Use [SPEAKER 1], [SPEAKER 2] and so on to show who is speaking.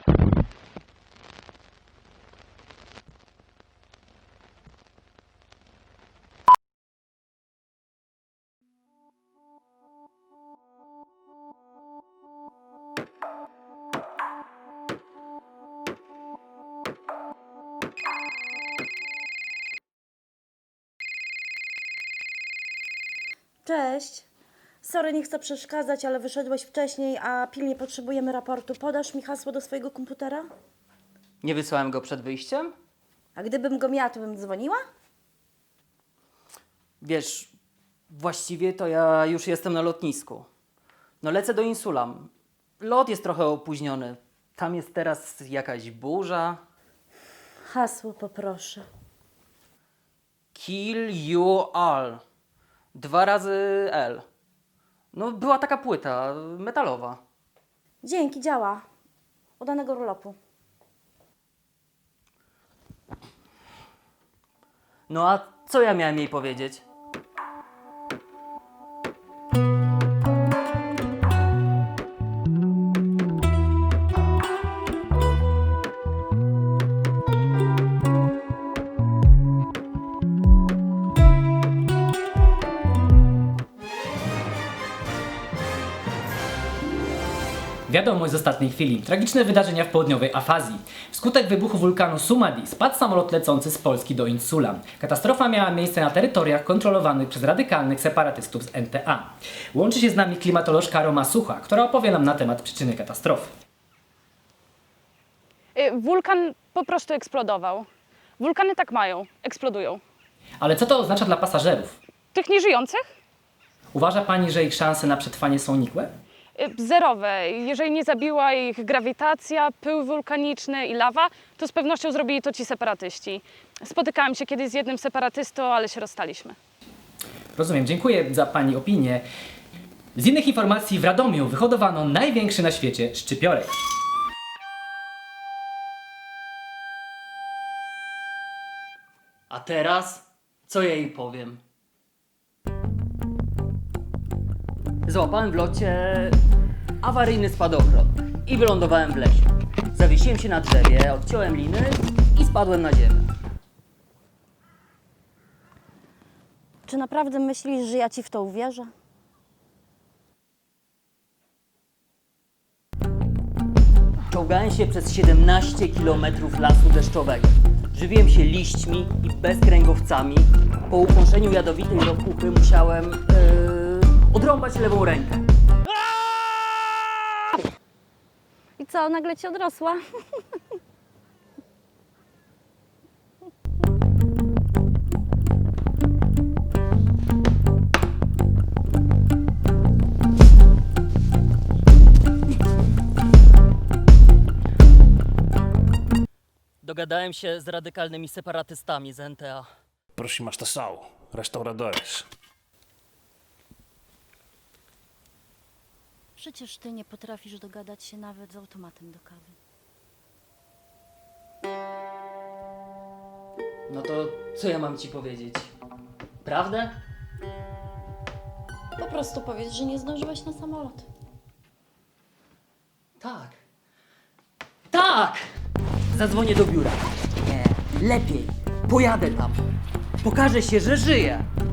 [SPEAKER 1] Cześć. Sorry, nie chcę przeszkadzać, ale wyszedłeś wcześniej, a pilnie potrzebujemy raportu. Podasz mi hasło do swojego komputera?
[SPEAKER 2] Nie wysłałem go przed wyjściem?
[SPEAKER 1] A gdybym go miała, to bym dzwoniła?
[SPEAKER 2] Wiesz, właściwie to ja już jestem na lotnisku. No lecę do Insulam. Lot jest trochę opóźniony. Tam jest teraz jakaś burza.
[SPEAKER 1] Hasło poproszę.
[SPEAKER 2] Kill you all. 2 razy L. No była taka płyta metalowa.
[SPEAKER 1] Dzięki, działa. Udanego urlopu.
[SPEAKER 2] No a co ja miałem jej powiedzieć?
[SPEAKER 3] Wiadomość z ostatniej chwili. Tragiczne wydarzenia w południowej Afazji. Wskutek wybuchu wulkanu Sumadi spadł samolot lecący z Polski do Insula. Katastrofa miała miejsce na terytoriach kontrolowanych przez radykalnych separatystów z NTA. Łączy się z nami klimatolożka Roma Sucha, która opowie nam na temat przyczyny katastrofy.
[SPEAKER 4] Wulkan po prostu eksplodował. Wulkany tak mają, eksplodują.
[SPEAKER 3] Ale co to oznacza dla pasażerów?
[SPEAKER 4] Tych nieżyjących?
[SPEAKER 3] Uważa Pani, że ich szanse na przetrwanie są nikłe?
[SPEAKER 4] Zerowe. Jeżeli nie zabiła ich grawitacja, pył wulkaniczny i lawa, to z pewnością zrobili to ci separatyści. Spotykałam się kiedyś z jednym separatystą, ale się rozstaliśmy.
[SPEAKER 3] Rozumiem, dziękuję za Pani opinię. Z innych informacji w Radomiu wyhodowano największy na świecie szczypiorek.
[SPEAKER 2] A teraz co ja jej powiem? Złapałem w locie awaryjny spadochron i wylądowałem w lesie. Zawiesiłem się na drzewie, odciąłem liny i spadłem na ziemię.
[SPEAKER 1] Czy naprawdę myślisz, że ja ci w to uwierzę?
[SPEAKER 2] Czołgałem się przez 17 km lasu deszczowego. Żywiłem się liśćmi i bezkręgowcami. Po ukąszeniu jadowitej ropuchy musiałem odrąbać lewą rękę.
[SPEAKER 1] I co, nagle ci odrosła?
[SPEAKER 2] Dogadałem się z radykalnymi separatystami z NTA.
[SPEAKER 5] Próxima estação, restauradores.
[SPEAKER 1] Przecież ty nie potrafisz dogadać się nawet z automatem do kawy.
[SPEAKER 2] No to co ja mam ci powiedzieć? Prawdę?
[SPEAKER 1] Po prostu powiedz, że nie zdążyłeś na samolot.
[SPEAKER 2] Tak. Tak! Zadzwonię do biura. Nie, lepiej. Pojadę tam. Pokażę się, że żyję.